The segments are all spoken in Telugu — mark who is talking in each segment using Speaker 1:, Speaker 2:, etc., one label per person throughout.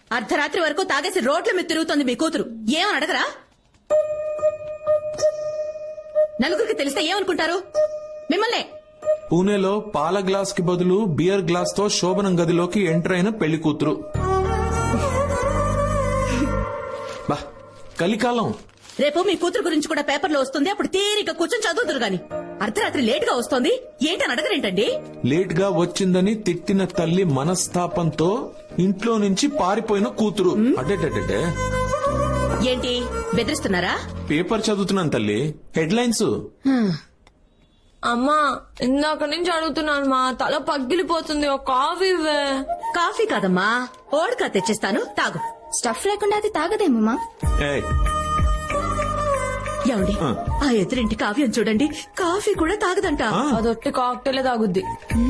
Speaker 1: అర్ధరాత్రి వరకు తాగేసి రోడ్ల మీద తిరుగుతోంది మీ కూతురు. ఏమని అడగరా? నలుగురికి తెలిస్తే ఏమనుకుంటారు మిమ్మల్ని?
Speaker 2: పూణేలో పాల గ్లాస్ కి బదులు బియర్ గ్లాస్ తో శోభనం గదిలోకి ఎంటర్ అయిన పెళ్లి కూతురు. బా కలికాలం.
Speaker 1: రేపు మీ కూతురు గురించి కూడా పేపర్లో వస్తుంది. అప్పుడు తీరిక కూర్చొని చదువుతురు గాని అర్ధరాత్రి లేట్ గా వస్తోంది ఏంటని అడగరేంటండి?
Speaker 2: లేట్ గా వచ్చిందని తిట్టిన తల్లి మనస్తాపంతో ఇంట్లో నుంచి పారిపోయిన కూతురు. అడ్డే
Speaker 1: ఏంటి బెదిరిస్తున్నారా?
Speaker 2: పేపర్ చదువుతున్నాను తల్లి, హెడ్లైన్స్.
Speaker 3: అమ్మా ఇందాక నుంచి అడుగుతున్నాను మా తల పగిలిపోతుంది. ఒక కాఫీ ఇవ్వే.
Speaker 1: కాఫీ కాదమ్మా, ఓడకా తెచ్చిస్తాను, తాగు.
Speaker 4: స్టఫ్ లేకుండా అది తాగదేమమ్మా.
Speaker 2: ఏయ్,
Speaker 1: ఏమండి ఆ ఎదురింటి కావ్యం చూడండి, కాఫీ కూడా తాగదంట.
Speaker 3: అదొట్టి కాక్టైలే తాగుద్ది.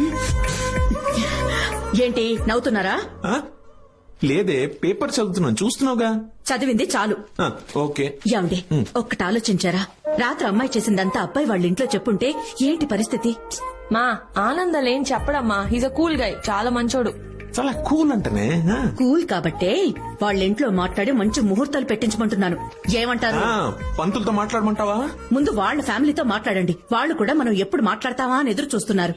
Speaker 1: ఏంటి నవ్వుతున్నారా?
Speaker 2: ఆ? లేదే, పేపర్ చదువుతున్నాను, చూస్తున్నావుగా.
Speaker 1: చదివింది చాలు.
Speaker 2: ఓకే.
Speaker 1: ఏమండి ఒక్కటి ఆలోచించారా? రాత్రి అమ్మాయి చేసిందంతా అబ్బాయి వాళ్ళ ఇంట్లో చెప్పుంటే ఏంటి పరిస్థితి?
Speaker 3: మా ఆనందలేం చెప్పడమ్మా. హీజ్ అ కూల్ గై, చాలా మంచోడు.
Speaker 2: చాలా కూల్ అంటనే.
Speaker 1: కూల్ కాబట్టే వాళ్ళ ఇంట్లో మాట్లాడి మంచి ముహూర్తాలు పెట్టించమంటున్నాను. ఏమంటారు?
Speaker 2: పంతులతో మాట్లాడమంటావా?
Speaker 1: ముందు వాళ్ళ ఫ్యామిలీతో మాట్లాడండి. వాళ్ళు కూడా మనం ఎప్పుడు మాట్లాడతావా అని ఎదురు చూస్తున్నారు.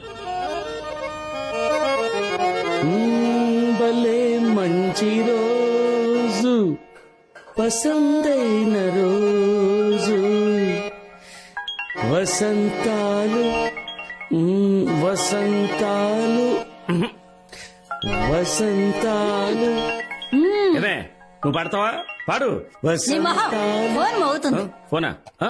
Speaker 5: భలే మంచి రోజు, పసందైన రోజు, వసంతాలు వసంతాలు వసంతాలు. నువ్వు పాడతావా? పాడు. ఫోనా?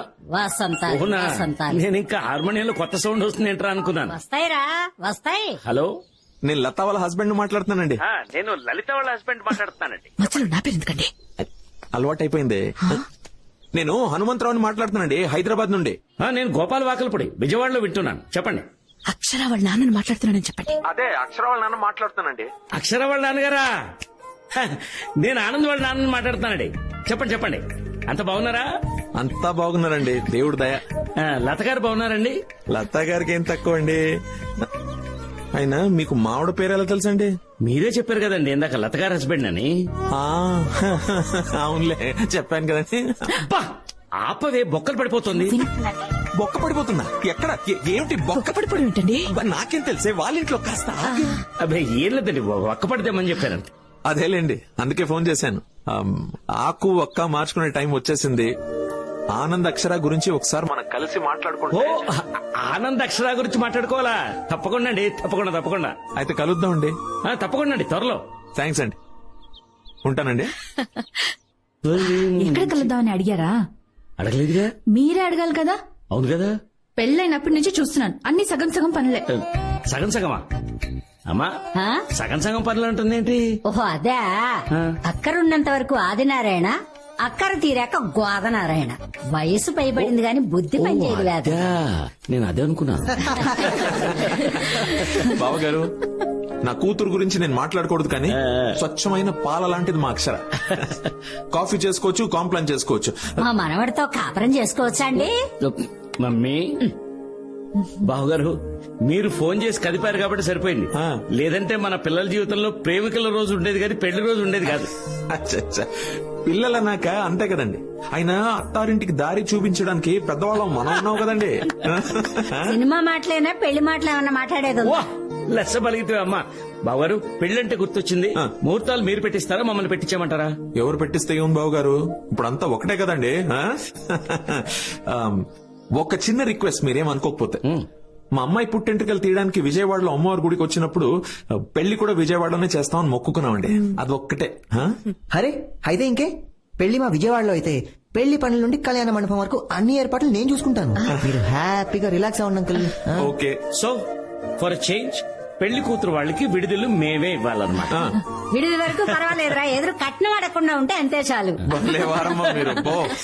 Speaker 5: నేను ఇంకా హార్మోనియంలో కొత్త సౌండ్ వస్తుంది ఏంట్రా అనుకున్నాను.
Speaker 6: వస్తాయిరా వస్తాయి.
Speaker 5: హలో,
Speaker 2: నేను లతా వాళ్ళ హస్బెండ్ మాట్లాడుతున్నానండి.
Speaker 5: నేను లలిత వాళ్ళ హస్బెండ్ మాట్లాడుతున్నానండి.
Speaker 1: మధ్యలో నా పేరు ఎందుకండి?
Speaker 2: అలవాటైపోయింది. నేను హనుమంతరావుని మాట్లాడుతున్నానండి, హైదరాబాద్ నుండి.
Speaker 5: నేను గోపాల్ వాకల్పూడి, విజయవాడలో వింటున్నాను. చెప్పండి.
Speaker 1: అక్షర వాళ్ళ నాన్నని మాట్లాడుతున్నానని చెప్పండి.
Speaker 2: అదే అక్షర వాళ్ళ నాన్న మాట్లాడుతున్నానండి.
Speaker 5: అక్షర వాళ్ళ నాన్నగారా? నేను ఆనంద్ వాళ్ళ నాన్నని మాట్లాడుతున్నానండి. చెప్పండి చెప్పండి. అంత బాగున్నారా?
Speaker 2: అంతా బాగున్నారండి, దేవుడు దయ.
Speaker 5: లత గారు బాగున్నారండి?
Speaker 2: లతా గారికి ఏం తక్కువ అండి. అయినా మీకు మావిడ పేరు ఎలా తెలుసండి?
Speaker 5: మీరే చెప్పారు కదండి ఇందాక లత గారు హస్బెండ్ అని.
Speaker 2: అవునులే, చెప్పాను కదండి.
Speaker 5: ఆపవే, బొక్కలు పడిపోతుంది.
Speaker 2: బొక్క పడిపోతుందా? ఎక్కడ? ఏమిటి బొక్క
Speaker 1: పడిపోవడం ఏంటండి?
Speaker 2: నాకేం తెలిసే, వాళ్ళ ఇంట్లో కాస్త.
Speaker 5: అబ్బాయి ఏం లేదండి, ఒక్క పడితేమని చెప్పారంట.
Speaker 2: అదేలేండి, అందుకే ఫోన్ చేశాను. ఆకు ఒక్క మార్చుకునే టైం వచ్చేసింది. ఆనంద్ అక్షర గురించి ఒకసారి మనం కలిసి మాట్లాడుకుంటే.
Speaker 5: ఆనంద్ అక్షర గురించి మాట్లాడుకోవాలా? తప్పకుండా అండి, తప్పకుండా తప్పకుండా.
Speaker 2: అయితే కలుద్దామండి.
Speaker 5: తప్పకుండా అండి, త్వరలో.
Speaker 2: థ్యాంక్స్ అండి, ఉంటానండి.
Speaker 4: ఎక్కడ కలుద్దామని అడిగారా?
Speaker 5: అడగలేదుగా.
Speaker 4: మీరే అడగాలి కదా.
Speaker 5: అవును కదా.
Speaker 4: పెళ్ళైనప్పటి నుంచి చూస్తున్నాను, అన్ని సగం సగం పనులే.
Speaker 5: సగం సగమా? అమ్మా, సగం సగం పనులు అంటుంది ఏంటి?
Speaker 6: ఓహో అదే. అక్కరున్నంత వరకు ఆదినారాయణ, అక్కర తీరాక గోదనారాయణ. వయసు పైబడింది గాని బుద్ధి పనిచేయదు లేదు.
Speaker 5: నేను అదే అనుకున్నాను.
Speaker 2: బావగారు, నా కూతురు గురించి నేను మాట్లాడకూడదు కానీ స్వచ్ఛమైన పాల లాంటిది మా అక్షర. కాఫీ చేసుకోవచ్చు, కాంప్లైంట్ చేసుకోవచ్చు.
Speaker 6: మా మనవడితో కాపురం చేసుకోవచ్చా అండి?
Speaker 5: మమ్మీ, బావగారు మీరు ఫోన్ చేసి కదిపారు కాబట్టి సరిపోయింది. లేదంటే మన పిల్లల జీవితంలో ప్రేమికుల రోజు ఉండేది కానీ పెళ్లి రోజు ఉండేది కాదు.
Speaker 2: పిల్లలన్నాక అంతే కదండి. అయినా అత్తారింటికి దారి చూపించడానికి పెద్దవాళ్ళం మనం ఉన్నావు కదండి.
Speaker 6: సినిమా మాటలేనా పెళ్లి మాటలు ఏమన్నా మాట్లాడేది?
Speaker 5: లెస్స బలిగితే అమ్మా. బావగారు, పెళ్ళంటే గుర్తొచ్చింది. ముహూర్తాలు మీరు పెట్టిస్తారా, మమ్మల్ని పెట్టించామంటారా?
Speaker 2: ఎవరు పెట్టిస్తే ఏం బావు గారు, ఇప్పుడు అంతా ఒకటే కదండి. ఒక చిన్న రిక్వెస్ట్, మీరేం అనుకోకపోతే. మా అమ్మాయి పుట్టింటికలు తీయడానికి విజయవాడలో అమ్మవారి గుడికి వచ్చినప్పుడు పెళ్లి కూడా విజయవాడలోనే చేస్తామని మొక్కుకున్నామండి. అది ఒక్కటే.
Speaker 7: అరే అయితే ఇంకే, పెళ్లి మా విజయవాడలో అయితే పెళ్లి పనుల నుండి కళ్యాణ మండపం వరకు అన్ని ఏర్పాట్లు నేను చూసుకుంటాను. మీరు హ్యాపీగా రిలాక్స్ అవ్వండి uncle.
Speaker 2: Okay.
Speaker 5: So for change పెళ్లి కూతురు వాళ్ళకి విడుదల మేమే ఇవ్వాలన్నమాట.
Speaker 6: విడుదల వరకు పర్వాలేదురా, ఎదురు కట్నం అడగకుండా ఉంటే అంతే చాలు.
Speaker 2: మీరు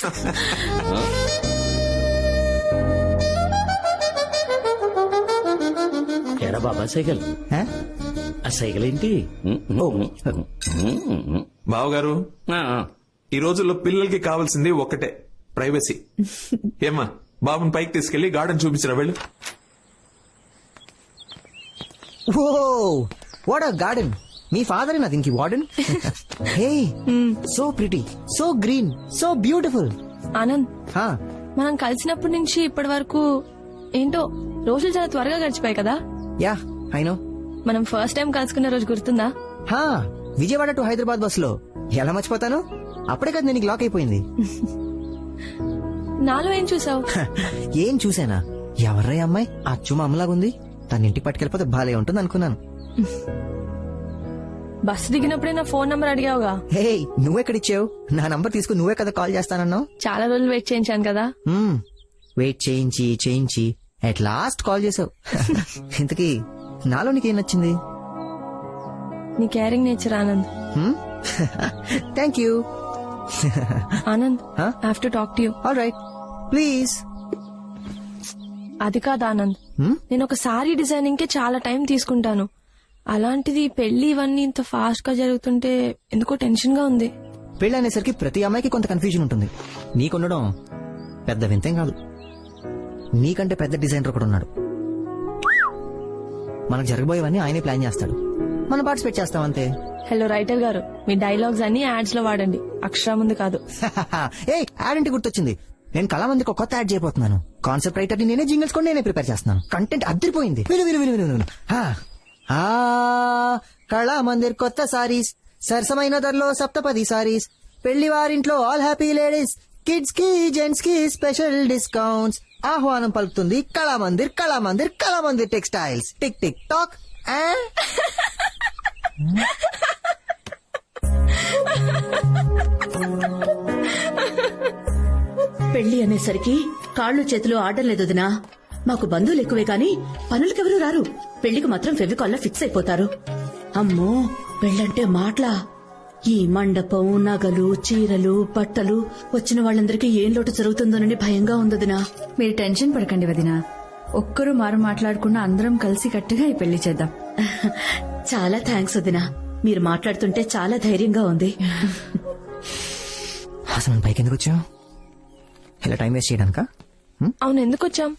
Speaker 5: ఎరా బాబా సైకిల్, ఆ సైకిల్ ఏంటి?
Speaker 2: బావగారు, ఈ రోజుల్లో పిల్లలకి కావాల్సింది ఒక్కటే, ప్రైవసీ. ఏమ్మా, బాబుని పైకి తీసుకెళ్లి గార్డెన్ చూపించిన వెళ్ళు.
Speaker 7: Oh what a garden. మీ ఫాదర్ నా దీనికి warden. Hey so pretty, so green, so beautiful.
Speaker 3: Anand, మనం కలిసినప్పటి నుంచి ఇప్పటి వరకు ఏంటో రోజులు చాలా త్వరగా గడిచిపోయాయి కదా.
Speaker 7: Yeah I know.
Speaker 3: మనం ఫస్ట్ టైం కలుసుకున్న రోజు గుర్తుందా?
Speaker 7: విజయవాడ టు హైదరాబాద్ బస్ లో. ఎలా మర్చిపోతాను, అప్పుడే కదా నేను లాక్ అయిపోయింది.
Speaker 3: నాలో ఏం చూసావు?
Speaker 7: ఏం చూసానా? ఎవర్రా ఈ అమ్మాయి, అచ్చు మా అమ్మలాగుంది, తన ఇంటికి పట్టుకెళ్ళిపోతే బాలే ఉంటుంది అనుకున్నాను.
Speaker 3: బస్సు దిగినప్పుడే నా ఫోన్ నంబర్ అడిగావుగా.
Speaker 7: హే నువ్వెక్కడిచ్చావు? నా నంబర్ తీసుకుని నువ్వే కదా కాల్ చేస్తానన్నావు.
Speaker 3: చాలా రోజులు వెయిట్ చేయించాను కదా.
Speaker 7: వెయిట్ చేయించి అట్ లాస్ట్ కాల్ చేసావు. ఇంతకీ నాలో నీకేం నచ్చింది?
Speaker 3: నీ caring nature Anand.
Speaker 7: Thank you.
Speaker 3: Anand, have to talk to you.
Speaker 7: All right please.
Speaker 3: అది కాదు ఆనంద్, నేను ఒక సారీ డిజైనింగ్ కి చాలా టైం తీసుకుంటాను. అలాంటిది పెళ్లి ఇవన్నీ ఇంత ఫాస్ట్ గా జరుగుతుంటే ఎందుకో టెన్షన్ గా ఉంది.
Speaker 7: పెళ్లి అనేసరికి ప్రతి అమ్మాయికి కొంత కన్ఫ్యూజన్ ఉంటుంది. నీకుండడం పెద్ద వింతేం కాదు. నీకంటే పెద్ద డిజైనర్ ఒకడు ఉన్నాడు. మనకు జరగబోయేవన్నీ ఆయనే ప్లాన్ చేస్తాడు, మనం పార్టిసిపేట్ చేస్తాం అంతే.
Speaker 3: హలో రైటర్ గారు, మీ డైలాగ్స్ అన్ని యాడ్స్ లో వాడండి, అక్షరం ముందు కాదు.
Speaker 7: ఏ యాడ్ అంటే గుర్తొచ్చింది. నేను కళామందికి ఒక కొత్త యాడ్ చేయబోతున్నాను. కాన్సెప్ట్ రైటర్ ని నేనే, జింగిల్స్ కూడా నేనే ప్రిపేర్ చేస్తున్నాను. కంటెంట్ అద్దరిపోయింది. విను. కళామందిర్ కొత్త సారీస్, సరసమైన ధరలో సప్తపది సారీస్, పెళ్లి వారింట్లో ఆల్ హ్యాపీ లేడీస్, కిడ్స్ కి జెంట్స్ కి స్పెషల్ డిస్కౌంట్స్. ఆహ్వానం పలుకుతుంది Kalamandir textiles. Tick tick tock.
Speaker 1: పెళ్లి అనేసరికి కాళ్ళు చేతులు ఆడలేదు వదినా. మాకు బంధువులు ఎక్కువే కాని పనులకెవరూ రారు. పెళ్లికి మాత్రం ఫెవికాల్లో ఫిక్స్ అయిపోతారు. అమ్మో పెళ్ళంటే మాటలా. ఈ మండపం, నగలు, చీరలు, బట్టలు, వచ్చిన వాళ్ళందరికీ ఏం లోటు జరుగుతుందోనని భయంగా ఉందదినా.
Speaker 4: మీరు టెన్షన్ పడకండి వదినా. ఒక్కరు మారు మాట్లాడకుండా అందరం కలిసి కట్టుగా ఈ పెళ్లి చేద్దాం.
Speaker 1: చాలా థ్యాంక్స్ వదినా. మీరు మాట్లాడుతుంటే చాలా ధైర్యంగా ఉంది.
Speaker 7: అసలు మనం పైకి ఎందుకు వచ్చావు? ఇలా టైం వేస్ట్ చేయడానికా?
Speaker 3: అవును, ఎందుకు వచ్చాం?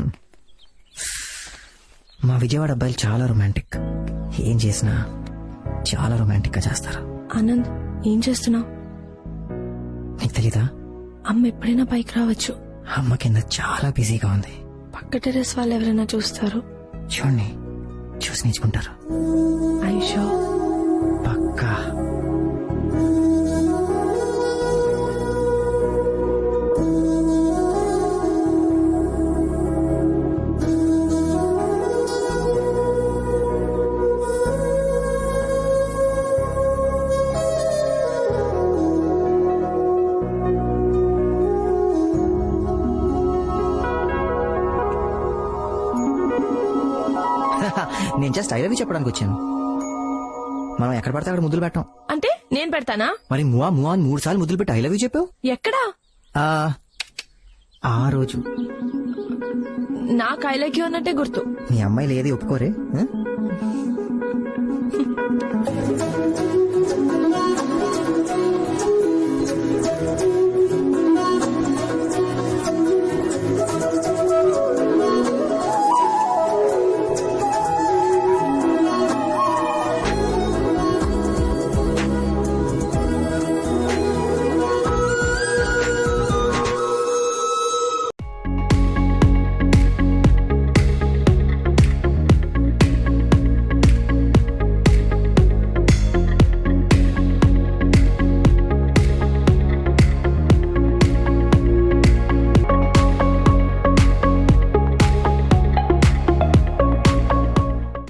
Speaker 7: మా విజయవాడ అబ్బాయిలు చాలా రొమాంటిక్. ఏం చేసినా చాలా రొమాంటిక్ గా చేస్తారు.
Speaker 3: ఆనంద్, ఏం చేస్తున్నావు?
Speaker 7: నీకు తెలీదా?
Speaker 3: అమ్మ ఎప్పుడైనా పైకి రావచ్చు.
Speaker 7: అమ్మ కింద చాలా బిజీగా ఉంది.
Speaker 3: పక్క టెరెస్ వాళ్ళు ఎవరైనా చూస్తారు.
Speaker 7: చూడండి, చూసి నేర్చుకుంటారు.
Speaker 3: ఐషో
Speaker 7: పక్కా. నేను జస్ట్ ఐ లవ్ యూ చెప్పడానికి వచ్చాను. మనం ఎక్కడ పడితే అక్కడ ముద్దులు పెట్టాం.
Speaker 3: అంటే నేను పెడతానా?
Speaker 7: మరి మువా అని 3 సార్లు ముద్దులు పెట్టి ఐ లవ్ యూ చెప్పావు.
Speaker 3: ఎక్కడా?
Speaker 7: ఆ రోజు
Speaker 3: నాకు ఐ లైక్ యూ అన్నట్టే గుర్తు.
Speaker 7: మీ అమ్మాయిలు ఏది ఒప్పుకోరే.